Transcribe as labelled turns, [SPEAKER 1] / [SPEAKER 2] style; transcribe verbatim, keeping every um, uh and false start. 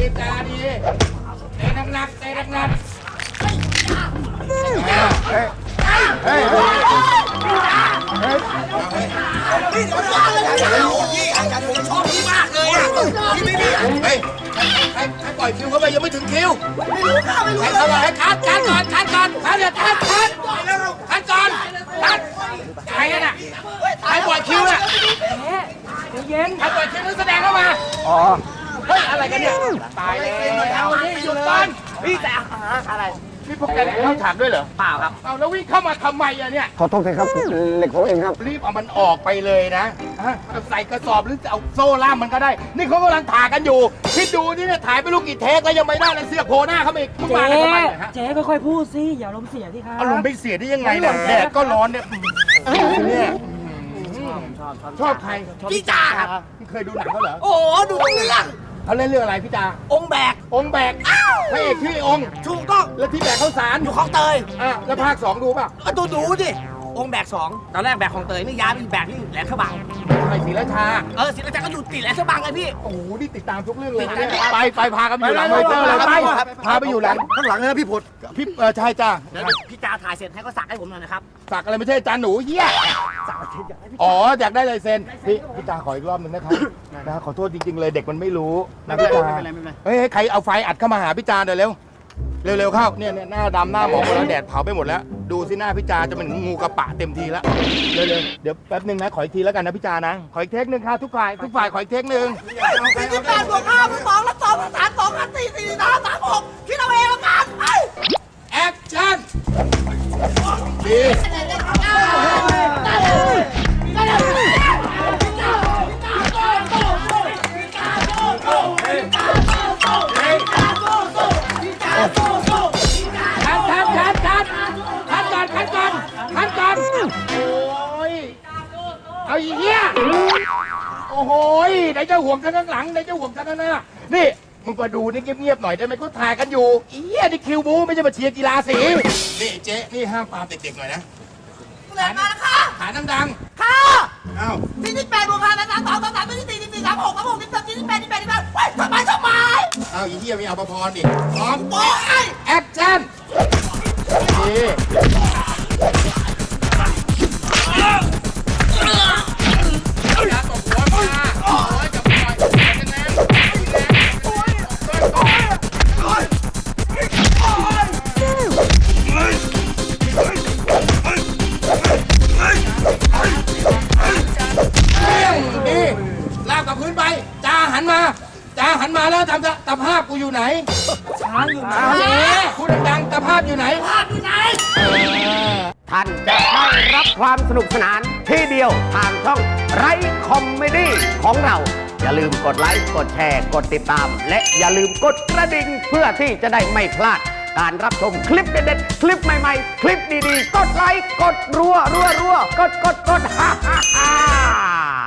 [SPEAKER 1] จาดีเตะหนักๆเตะหนักๆเฮ้ยเฮ้ย
[SPEAKER 2] พี่เดี๋ยวนะพี่อาจารย์ผมชอบพี่มากเลยอ่ะพี่ไม่มีเฮ้ยให้ให้ปล่อยคิวเข้าไปยังไม่ถึงคิวไม่รู้ข้าไม่รู้ให้เข้าไปให้คัดคัดก่อนคัดก่อนคัดเดี๋ยวคัดคัดคัดก่อนคัดใครกันอ่ะให้ปล่อยคิวอ่ะเย็นให้ปล่อยคิวนักแสดงเข้ามาอ๋อเฮ้ยอะไรกันเนี่ยตายแล้วนี่หยุดก่อนพี่แต่อะไรนี่พวกแกได้เข้าฉากด้วยเหรอเปล่าครับเอาแล้ววิ่งเข้ามาทำไมอะเนี่ย
[SPEAKER 3] ขอโทษทีครับเหล็กผมเองครับ
[SPEAKER 1] รีบเอามันออกไปเลยนะใส่กระสอบหรือจะเอาโซ่ล่ามมันก็ได้นี่เขากำลังถ่ายกันอยู่คิดดูนี่เนี่ยถ่ายไปลูกกี่เทคแล้วยังไม่ได้เลยเสื้อโผล่หน้าเขาอีก
[SPEAKER 4] เจ๊เจ๊ค่อยๆพูดสิอย่าลมเสียที่ครับ
[SPEAKER 1] อารมณ์ไม่เสียได้ยังไงเนี่ยแดดก็ร้อนเนี่ยเนี่ยชอบใคร
[SPEAKER 2] พี่จ่าครับ
[SPEAKER 1] เคยดูหนังเขาเหรอ
[SPEAKER 2] โอ้ดูเรื่อง
[SPEAKER 1] เขาเล่นเรื่องอะไรพี่จ่า
[SPEAKER 2] องค์แบก
[SPEAKER 1] องค์แบกพระเอกชื่อองค์
[SPEAKER 2] ถูกต้อง
[SPEAKER 1] แล้วที่แบกข้าวสาร
[SPEAKER 2] อยู่คลองเตย
[SPEAKER 1] อ่ะแล้วภาคสองดูป่ะ
[SPEAKER 2] ดูดูดิองค์แบกสองตอนแรกแบกคลองเตยนี่ย้ายเป็นแบกที่แหลมฉบัง
[SPEAKER 1] ไอ้ศรีราชา
[SPEAKER 2] เออศรีราชาก็อยู่ติดแหลมฉบังเลยพี่
[SPEAKER 1] โอ้โหนี่ติดตามทุกเรื่องเลยไปไปพากันไปอยู่หลังมอนิเตอร์เลยไปพาไปอยู่หลัง
[SPEAKER 3] ข้างหลังนะพี่ผุด
[SPEAKER 1] พี่เออใช่จ้า
[SPEAKER 2] พี่จ่าถ่ายเสร็จให้ก็สักให้ผมหน่อยนะครับ
[SPEAKER 1] สักอะไรไม่ใช่จานหนูเหี้ยอ๋ออยากได้ลายเซ็นพี่พี่จ่าขออีกรอบหนึ่งนะครับนะขอโทษจริงๆเลยเด็กมันไม่รู้นะพี่จ่าเฮ้ยใครเอาไฟอัดเข้ามาหาพี่จ่าเดี๋ยวเร็วเร็วๆเข้าเนี่ยหน้าดำหน้าหมองหมดแล้วแดดเผาไปหมดแล้วดูสิหน้าพี่จาจะเป็นงูกระปะเต็มทีแล้วเร็วๆเดี๋ยวแป๊บนึงนะขออีกทีแล้วกันนะพี่จานะขออีกเทคนึงค่ะทุกฝ่ายทุกฝ่ายขออีกเทคนึง
[SPEAKER 2] สี่สิบแปดบวกห้าเป็นสองแล้วสองสามสองสามสี่สี่สามสามหกคิดเอาเองละกันไป
[SPEAKER 1] แอคชั่นดีเอาอีเหี้ยโอ้โหไหนจะห่วงข้างหลังไหนจะห่วงข้างหน้านี่มึงมาดูนี่เงียบๆหน่อยได้ไหมเขาถ่ายกันอยู่อีเหี้ยนี่คิวบูไม่ใช่มาเชียร์กีฬาสีนี่เจ๊นี่ห้ามปามเด็กๆหน่อยนะ
[SPEAKER 2] เดินมาแล้วค่ะ
[SPEAKER 1] หาดัง
[SPEAKER 2] ๆค่ะ
[SPEAKER 1] อ้าว
[SPEAKER 2] สี่สิบแปดบวกห้าสามสองสามสามสี่สี่สี่สามหกสามหกสิบสามสี่สิบแปดสิบแปดสิบแปดเฮ้ยทำไมทำไม
[SPEAKER 1] อ้าวอีเหี้ยมีเอาประพรดิพร้อม
[SPEAKER 2] โอ้ย
[SPEAKER 1] แอคชั่นดีลากกับพื้นไปจ้าหันมาจ้าหันมาแล้วทำตะภาพกูอยู่ไหน
[SPEAKER 4] ช้างอยู่ไหน
[SPEAKER 1] พูดดังๆตะภาพอยู่ไหน
[SPEAKER 2] ภาพอยู่ไหน
[SPEAKER 3] ท่านจะได้รับความสนุกสนานที่เดียวทางช่องไรคอมเมดี้ของเราอย่าลืมกดไลค์กดแชร์กดติดตามและอย่าลืมกดกระดิ่งเพื่อที่จะได้ไม่พลาดการรับชมคลิปเด็ดๆคลิปใหม่ๆคลิปดีๆกดไลค์กดรัวรัวรัวกดกดกดฮ่าฮ่าฮ่า